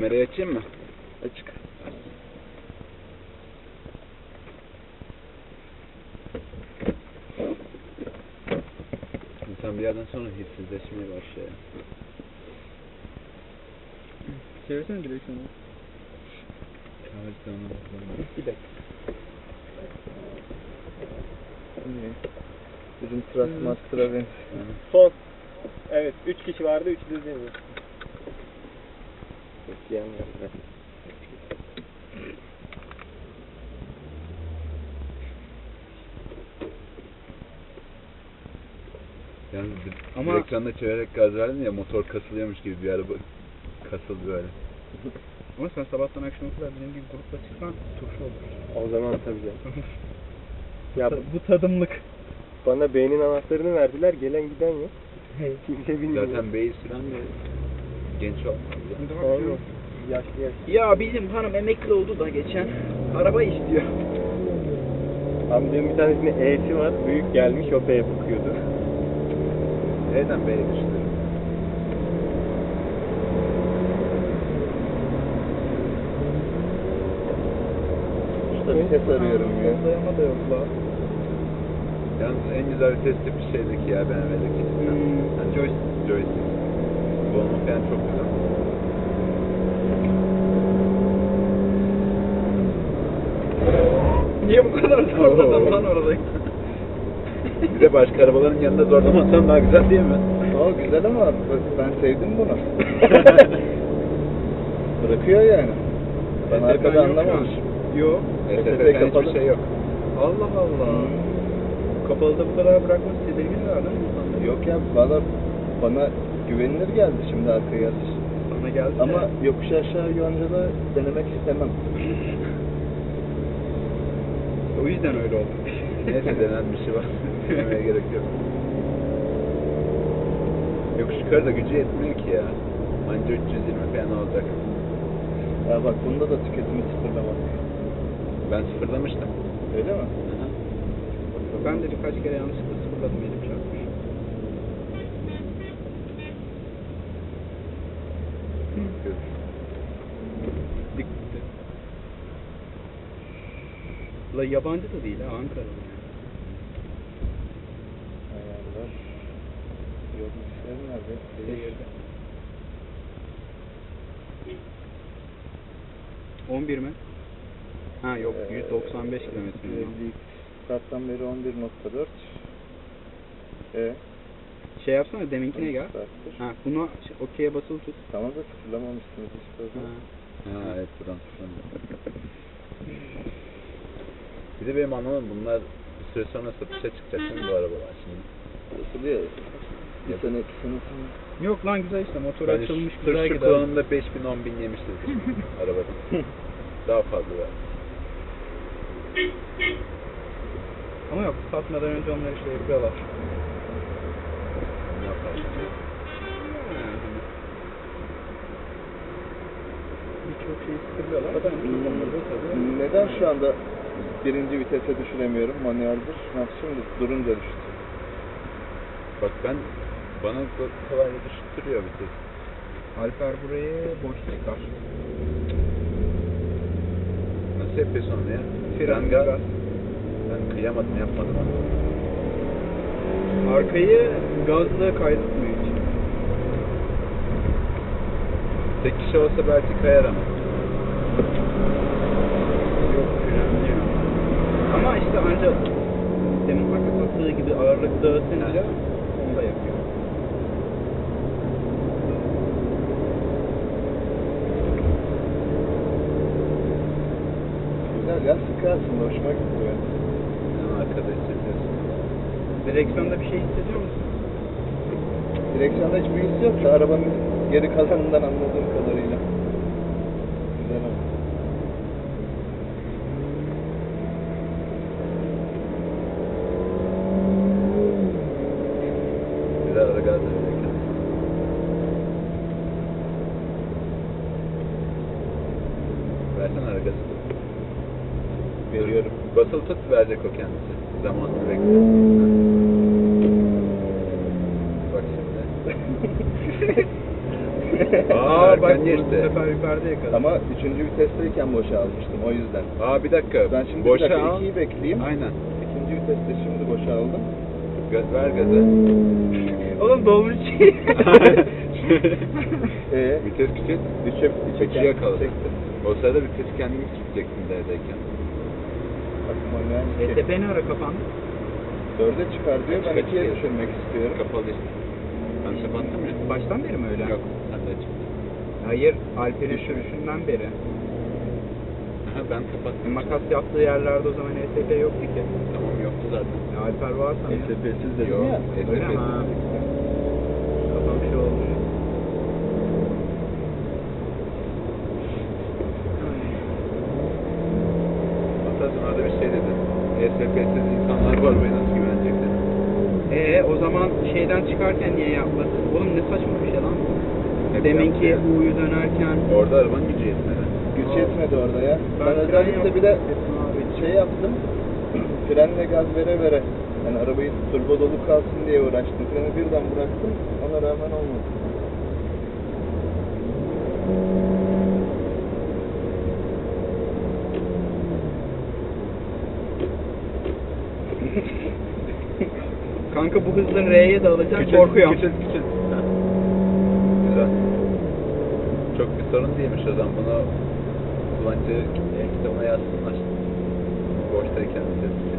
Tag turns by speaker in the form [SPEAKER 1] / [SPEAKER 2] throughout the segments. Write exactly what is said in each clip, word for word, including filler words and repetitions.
[SPEAKER 1] Kamerayı açayım mı?
[SPEAKER 2] Açık.
[SPEAKER 1] İnsan bir yerden sonra hissizleşmeye başlıyor.
[SPEAKER 3] Çevirsene direksiyonu.
[SPEAKER 2] Bir dakika. Bizim Trustmaster'a ben.
[SPEAKER 3] Son. Evet, üç kişi vardı, üç de değil mi?
[SPEAKER 2] Bekleyen var.
[SPEAKER 1] Yani
[SPEAKER 3] Ama-
[SPEAKER 1] direksiyonda çevirerek gaz verdin ya, motor kasılıyormuş gibi bir araba kasıldı böyle.
[SPEAKER 3] Ama sen sabahtan akşama kadar bizim gibi grupla çıksan turşu olur.
[SPEAKER 2] O zaman tabii canım. Ya bu,
[SPEAKER 3] Bu tadımlık.
[SPEAKER 2] bana beynin anahtarını verdiler, gelen giden yok. Kimse bilmiyor.
[SPEAKER 1] Zaten beyi süren de genç olmalı.
[SPEAKER 2] Aynen. Yaşlı yaşlı.
[SPEAKER 3] Ya bizim hanım emekli oldu da geçen araba istiyor.
[SPEAKER 2] Amcamın bir tanesinin E'si var, büyük gelmiş, o B'ye bakıyordu.
[SPEAKER 1] Neden beye düştü?
[SPEAKER 2] Usta bir ses arıyorum ya.
[SPEAKER 3] Dayama da yok la.
[SPEAKER 1] Yalnız en güzel vitesli bir şeydeki ya, B M W'deki.
[SPEAKER 3] Hmm.
[SPEAKER 1] Yani joystick, joystick. Bu olmak yani çok güzel.
[SPEAKER 3] Niye bu kadar zorladın lan orada?
[SPEAKER 1] Bir de başka arabaların yanında zorlamasan daha güzel değil mi?
[SPEAKER 2] O güzel ama ben sevdim bunu. Bırakıyor yani. Ben arkada anlamamış.
[SPEAKER 3] Yok.
[SPEAKER 1] S
[SPEAKER 2] S
[SPEAKER 1] S
[SPEAKER 2] S
[SPEAKER 1] T'den
[SPEAKER 2] kapalı.
[SPEAKER 1] hiçbir şey yok.
[SPEAKER 3] Allah Allah.
[SPEAKER 2] Hmm.
[SPEAKER 3] Kapalıda bu kadar bırakması tedirgin var değil mi insanlar?
[SPEAKER 2] Yok ya, valla bana güvenilir geldi şimdi arkaya yazış.
[SPEAKER 3] Sana geldi
[SPEAKER 2] Ama
[SPEAKER 3] de.
[SPEAKER 2] yokuş aşağı yoncada denemek istemem.
[SPEAKER 3] O yüzden öyle oldu.
[SPEAKER 1] Neyse, denen bir şey var. Demeye gerek yok. Yokuş yukarı da gücü yetmiyor ki ya. Anca üç yüz yirmi falan olacak.
[SPEAKER 2] Ya bak, bunda da tüketimi sıfırlamak.
[SPEAKER 1] Ben sıfırlamıştım.
[SPEAKER 2] Öyle mi?
[SPEAKER 1] Aha.
[SPEAKER 3] Ben de birkaç kere yanlışlıkla sıfırladım, elim çarpmış. Dikti. La yabancı da değil ha, Ankaralı yani.
[SPEAKER 2] Ayarlar. Yok, işler nerede?
[SPEAKER 3] Seyirde. on bir mi? Ha yok,
[SPEAKER 2] Ee,
[SPEAKER 3] yüz doksan beş kilometre.
[SPEAKER 2] elli Starttan beri on bir nokta dört. E,
[SPEAKER 3] Şey yapsana, deminkine gel.
[SPEAKER 2] Starttır.
[SPEAKER 3] Ha, bunu okey'e basılı tut.
[SPEAKER 2] Tamam da sıfırlamamışsınız işte. o zaman.
[SPEAKER 3] Ha.
[SPEAKER 1] Ha evet, buradan sıfırlanıyor. Bir de benim anlamam, bunlar bir süre sonra satışa çıkacak değil mi bu arabalar şimdi?
[SPEAKER 2] Satılıyor. Bir sene, iki sene sonra.
[SPEAKER 3] Yok lan, güzel işte, motor
[SPEAKER 1] Ben
[SPEAKER 3] açılmış,
[SPEAKER 1] şu,
[SPEAKER 3] güzel
[SPEAKER 1] şu
[SPEAKER 3] gider.
[SPEAKER 1] kullanımda beş bin on bin yemiştir arabada. Daha fazla var.
[SPEAKER 3] Ama yok, satmadan önce onlar işte yapıyorlar.
[SPEAKER 1] Ne yapalım?
[SPEAKER 3] Birçok şeyi sıkılıyorlar. Zaten kullanılıyor tabii.
[SPEAKER 2] Neden şu anda birinci vitese düşüremiyorum? Manueldir. Ha, şimdi durunca düştü.
[SPEAKER 1] Bak ben, bana kolayca düşürtüyor vites.
[SPEAKER 3] Alper burayı boş çıkar.
[SPEAKER 1] Nasıl yapıyorsun onu ya?
[SPEAKER 3] Fren
[SPEAKER 1] gaz.
[SPEAKER 3] gaz.
[SPEAKER 1] Ben kıyamadım, yapmadım onu.
[SPEAKER 3] Arkayı gazla kaydetmiyor hiç.
[SPEAKER 1] Tek kişi olsa belki kayar ama.
[SPEAKER 3] Yok, frenliyor. Ama işte ancak demin hakkı sattığı gibi ağırlık dağıtınca onu da yapıyor.
[SPEAKER 2] Güzel ya, sıkı aslında. Hoşuma gitti yani.
[SPEAKER 1] Yani arkada hissediyorsun.
[SPEAKER 3] Direksiyonda bir şey hissediyor musun?
[SPEAKER 2] Direksiyonda hiçbir his yok da arabanın geri kalanından anladığım kadarıyla. Güzel ama.
[SPEAKER 1] Güzel ara gaz verirken. Versene ara gazı.
[SPEAKER 2] Veriyorum.
[SPEAKER 1] Basılı tut, verecek o kendisi. Zamanını bekle. Bak şimdi. Aa
[SPEAKER 3] bak
[SPEAKER 1] niye
[SPEAKER 3] bu
[SPEAKER 1] işte?
[SPEAKER 3] sefer yukarıda yakaladı.
[SPEAKER 2] Ama üçüncü vitesteyken boşa almıştım o yüzden.
[SPEAKER 1] Aa bir dakika.
[SPEAKER 2] Ben şimdi
[SPEAKER 1] boşa
[SPEAKER 2] bir dakika
[SPEAKER 1] al.
[SPEAKER 2] ikiyi bekleyeyim.
[SPEAKER 1] Aynen.
[SPEAKER 2] İkinci viteste şimdi boşa aldım.
[SPEAKER 1] Gaz, ver gazı.
[SPEAKER 3] Oğlum dolmuş şey.
[SPEAKER 2] Eee?
[SPEAKER 1] Vites küçült.
[SPEAKER 2] Üçe,
[SPEAKER 1] İkiye kaldı.
[SPEAKER 2] çektim.
[SPEAKER 1] O sırada vitesi kendini küçülteceksin D'deyken.
[SPEAKER 2] Bak manuel
[SPEAKER 3] E
[SPEAKER 2] iki.
[SPEAKER 3] T P ne ara kapandı?
[SPEAKER 2] Dörde çıkar diyor. Ben
[SPEAKER 1] Kaç
[SPEAKER 2] ikiye
[SPEAKER 1] kere?
[SPEAKER 2] düşürmek istiyorum.
[SPEAKER 1] Kapalı işte. Ben kapattım ya.
[SPEAKER 3] Baştan beri mi öyle?
[SPEAKER 1] Yok. Sen de açık.
[SPEAKER 3] Hayır, Alper'in sürüşünden beri.
[SPEAKER 1] Aha, ben kapattım.
[SPEAKER 3] Makas yaptığı yerlerde o zaman E S P yoktu ki.
[SPEAKER 1] Tamam yoktu zaten.
[SPEAKER 3] Ya Alper var
[SPEAKER 2] E
[SPEAKER 3] sanıyor.
[SPEAKER 2] S P'siz dedim
[SPEAKER 1] Yok.
[SPEAKER 2] ya.
[SPEAKER 1] E S P
[SPEAKER 3] Öyle mi? Ha. Kafam şey olmuş.
[SPEAKER 1] Hatta sen orada bir şey dedin. E S P'siz insanlar var ve nasıl güvenecekler?
[SPEAKER 3] Ee o zaman şeyden çıkarken niye yapmadın? Oğlum ne saçma bir şey lan.
[SPEAKER 1] Hep
[SPEAKER 3] Deminki
[SPEAKER 1] yaptı ya.
[SPEAKER 3] U'yu dönerken.
[SPEAKER 1] Orada arabanın gücü yetmedi.
[SPEAKER 2] Güç
[SPEAKER 3] Aa.
[SPEAKER 2] yetmedi orada ya.
[SPEAKER 3] Ben
[SPEAKER 2] Ben,
[SPEAKER 3] fren
[SPEAKER 2] özellikle
[SPEAKER 3] yaptım.
[SPEAKER 2] bir de şey yaptım. Frenle gaz vere vere. Yani arabayı turbo dolu kalsın diye uğraştım. Freni birden bıraktım. Ona rağmen olmadı.
[SPEAKER 3] Kanka bu hızla R'ye de alacaksın
[SPEAKER 1] Küçült,
[SPEAKER 3] korkuyorum.
[SPEAKER 1] Küçült küçült. Ha. Güzel. Çok bir sorun değilmiş o zaman. Bunu kullanıcı e, kitabına yazsınlar. Boştayken vites küçült.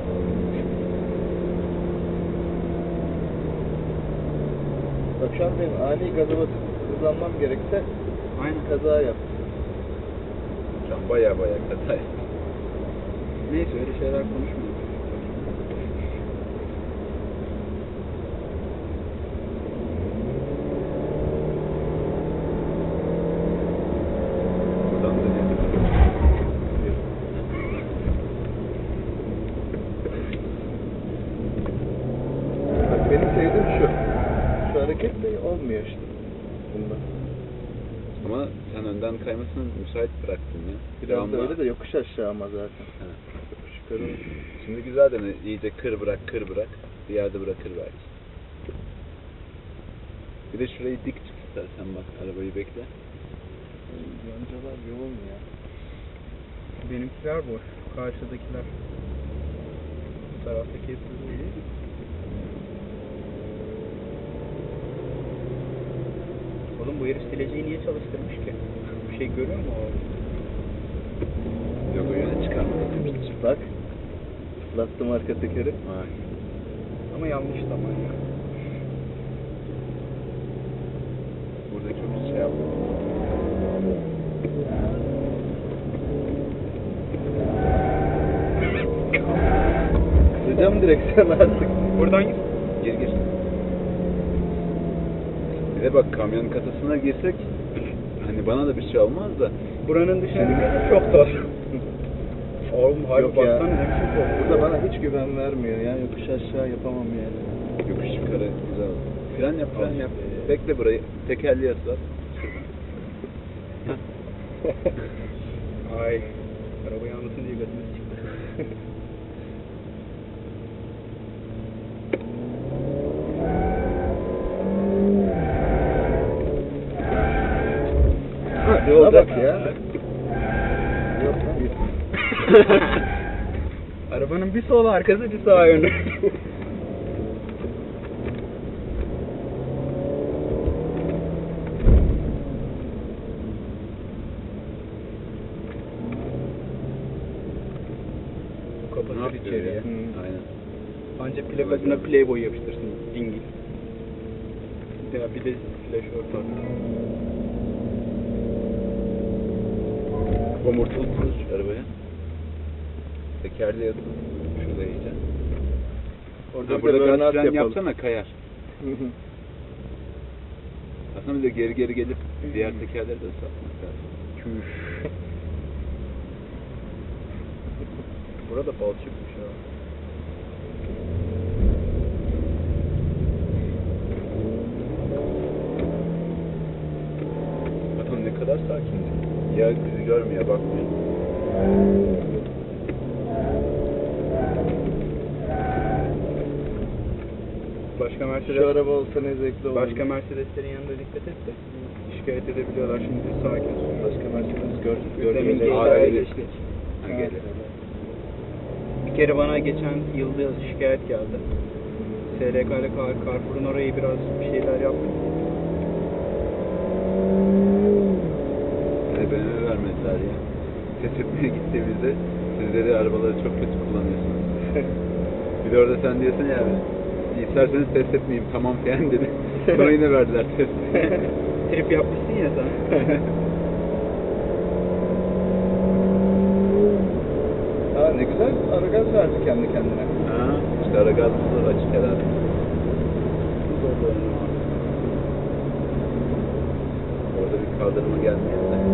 [SPEAKER 2] Bak şu an benim ani gaza basıp hızlanmam gerekse
[SPEAKER 3] Aynen.
[SPEAKER 2] kaza yaptım.
[SPEAKER 1] Şu an baya baya kaza yaptı.
[SPEAKER 3] Neyse öyle şeyler konuşmuyoruz.
[SPEAKER 1] Buradan dönelim.
[SPEAKER 2] Bak benim sevdiğim şu. Şu hareket de olmuyor işte. Bunda.
[SPEAKER 1] Ama sen önden kaymasını müsait bıraktın ya.
[SPEAKER 2] Biraz da
[SPEAKER 1] Devamlı-
[SPEAKER 2] öyle de yokuş aşağı ama zaten.
[SPEAKER 1] Ha.
[SPEAKER 2] Yokuş yukarı.
[SPEAKER 1] Şimdi güzel dene. İyice kır bırak, kır bırak. Bir yerde bırakır belki. Bir de şurayı dik tut istersen bak. Arabayı bekle.
[SPEAKER 2] Yoncalar yoğun ya.
[SPEAKER 3] Benimkiler boş. Karşıdakiler. Bu taraftaki hepsi dolu. Oğlum bu herif sileceği niye çalıştırmış ki? Bir şey görüyor mu o?
[SPEAKER 1] Yok o yöne çıkarmadı demiştir.
[SPEAKER 2] Bak. Islattım arka tekeri.
[SPEAKER 1] Vay.
[SPEAKER 3] Ama yanlış zaman ya.
[SPEAKER 1] Burada çok şey yaptım.
[SPEAKER 2] Kıracağım direksiyon artık.
[SPEAKER 3] Buradan git.
[SPEAKER 1] Gir gir. Bir de bak kamyonun kasasına girsek hani bana da bir şey olmaz da
[SPEAKER 3] Buranın dışına bir çok da. Oğlum harbi
[SPEAKER 2] Yok ya.
[SPEAKER 3] baksana ne biçim korkuyor.
[SPEAKER 2] Burada bana hiç güven vermiyor ya. Yokuş aşağı yapamam yani.
[SPEAKER 1] yokuş yukarı güzel olur. Fren yap fren yap. Bekle burayı. Tekerleği ıslat.
[SPEAKER 3] Ay. Araba yanmasın diye götümüz çıktı.
[SPEAKER 2] Ha,
[SPEAKER 1] Ne olacak?
[SPEAKER 2] bak ya. Yok lan.
[SPEAKER 3] Arabanın bir sol arkası bir sağ yönü. Bu
[SPEAKER 1] Ne
[SPEAKER 3] kapatır
[SPEAKER 1] yapıyor
[SPEAKER 3] içeriye.
[SPEAKER 1] ya?
[SPEAKER 2] Hı.
[SPEAKER 1] Aynen.
[SPEAKER 3] Ancak plakasına Playboy yapıştırsın. Dingil. Ya bir de flash orta.
[SPEAKER 1] Omurtalı tuz şu arabaya. Tekerleği ıslat. Şurada iyice.
[SPEAKER 2] Orada
[SPEAKER 1] Ha,
[SPEAKER 2] bir
[SPEAKER 1] burada
[SPEAKER 2] de
[SPEAKER 1] gaz
[SPEAKER 2] burnout
[SPEAKER 1] fren
[SPEAKER 2] yapalım.
[SPEAKER 1] yapsana kayar. Aslında bir de geri geri gelip diğer tekerleri de ıslatmak lazım.
[SPEAKER 3] Burada balçıkmış ya.
[SPEAKER 1] Adam ne kadar sakin. Ya bizi görmüyor, bakmıyor.
[SPEAKER 3] Başka Mercedes
[SPEAKER 2] Şu araba olsa ne zevkli olur.
[SPEAKER 3] Başka Mercedeslerin yanında dikkat et de. İş şikayet edebiliyorlar. Şimdi sakin sür.
[SPEAKER 2] Başka markamız gördük.
[SPEAKER 3] Demin
[SPEAKER 2] gördük.
[SPEAKER 1] Aa,
[SPEAKER 3] G T A'ya
[SPEAKER 1] öyle.
[SPEAKER 3] geçtik.
[SPEAKER 1] Ha, gel.
[SPEAKER 3] Bir kere bana geçen yılda şikayet geldi. S R K ile Kar- Carrefour'un orayı biraz bir şeyler yaptı.
[SPEAKER 1] Hani beni vermediler ya. Test etmeye gittiğimizde siz dedi arabaları çok kötü kullanıyorsunuz. Bir de orada sen diyorsun ya abi, isterseniz test etmeyeyim tamam falan dedi. Sonra yine verdiler test.
[SPEAKER 3] Trip yapmışsın ya sen.
[SPEAKER 2] Aa ne güzel ara gaz verdi kendi kendine.
[SPEAKER 1] Ha, işte ara gazımız da açık herhalde. Orada bir kaldırıma gelmeyen de.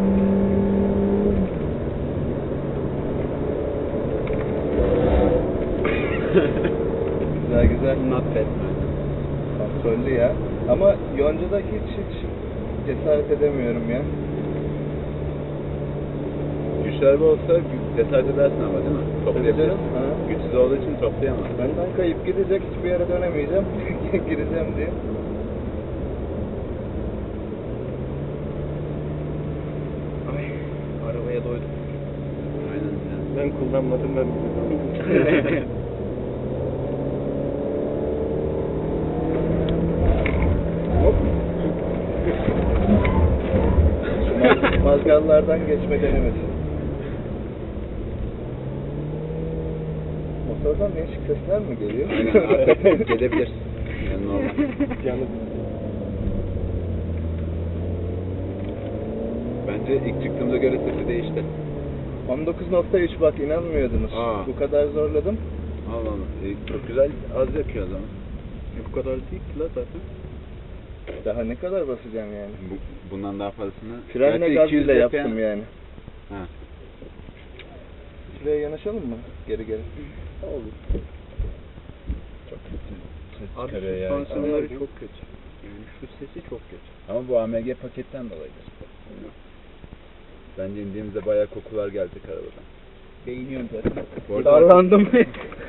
[SPEAKER 2] Güzel güzel.
[SPEAKER 3] Not bad.
[SPEAKER 2] Kontrollü ya. Ama Yonca'da hiç hiç cesaret edemiyorum ya.
[SPEAKER 1] Güçlü araba olsa cesaret edersin ama değil mi? Toplayabilirsin.
[SPEAKER 2] canım, ha.
[SPEAKER 1] Güçsüz olduğu için toplayamaz.
[SPEAKER 2] Benden kayıp gidecek, hiçbir yere dönemeyeceğim. Gireceğim diye.
[SPEAKER 3] Ay, arabaya doydum.
[SPEAKER 1] Aynen ya.
[SPEAKER 2] Ben kullanmadım ben. Hop. Şu maz- mazgallardan geçme denemesi. Motordan değişik sesler mi geliyor?
[SPEAKER 1] Aynen artık gelebilir. Yani normal.
[SPEAKER 2] Yani
[SPEAKER 1] Bence ilk çıktığımda göre sesi değişti.
[SPEAKER 2] on dokuz nokta üç bak inanmıyordunuz.
[SPEAKER 1] Aa.
[SPEAKER 2] Bu kadar zorladım.
[SPEAKER 1] Allah Allah. E, çok güzel az yakıyor o zaman.
[SPEAKER 3] Bu kadar değil ki la zaten.
[SPEAKER 2] Daha ne kadar basacağım yani?
[SPEAKER 1] Bu, bundan daha fazlasını.
[SPEAKER 2] Frenle
[SPEAKER 1] Gerçi
[SPEAKER 2] gaz
[SPEAKER 1] iki yüz
[SPEAKER 2] bile
[SPEAKER 1] F P
[SPEAKER 2] yaptım yani.
[SPEAKER 1] Ha.
[SPEAKER 2] Şuraya yanaşalım mı? Geri geri.
[SPEAKER 3] Olur.
[SPEAKER 1] Çok kötü. Ses
[SPEAKER 3] Abi
[SPEAKER 1] çıkarıyor ya.
[SPEAKER 3] süspansiyonları çok kötü. Yani şu sesi çok kötü.
[SPEAKER 1] Ama bu A M G paketten dolayıdır. Bence indiğimizde bayağı kokular gelecek arabadan.
[SPEAKER 3] Beğeniyorum zaten.
[SPEAKER 1] Bu arada
[SPEAKER 3] Darlandım.